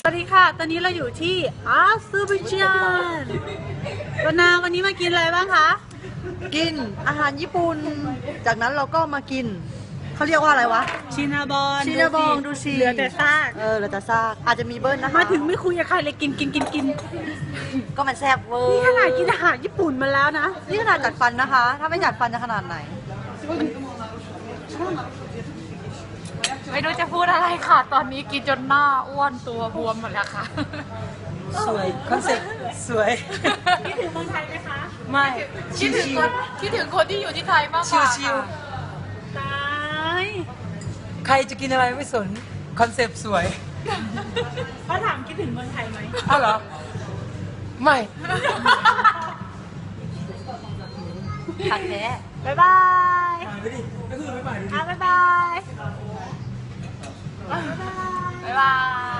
สวัสดีค่ะ ตอนนี้เราอยู่ที่อาเซอร์ไบจานวันนี้มากินอะไรบ้างคะกินอาหารญี่ปุ่น จากนั้นเราก็มากิน เขาเรียกว่าอะไรวะชินาบอนชินาบองดูสิเหลือแต่ซากเหลือแต่ซากอาจจะมีเบิ้ลนะคะมาถึงไม่คุยกับใครเลยกินก็มันแซ่บเวอร์นี่ขนาดกินอาหารญี่ปุ่นมาแล้วนะนี่ขนาดจัดฟันนะคะ ถ้าไม่จัดฟันจะขนาดไหนไม่รู้จะพูดอะไรค่ะ ตอนนี้กินจนหน้าอ้วนตัวบวมหมดแล้วค่ะสวยคอนเซ็ปต์สวยคิดถึงเมืองไทยไหมคะไม่คิดถึงคนที่อยู่ที่ไทยมากกชิว่าวชิวตายๆใครจะกินอะไรไม่สนคอนเซ็ปต์สวยเขาถามคิดถึงเมืองไทยไหมอ้าวเหรอ ไม่ขัดแท้บ๊ายบายไปดิก็คือไม่ไปดูดิบ๊ายบายบ๊ายบาย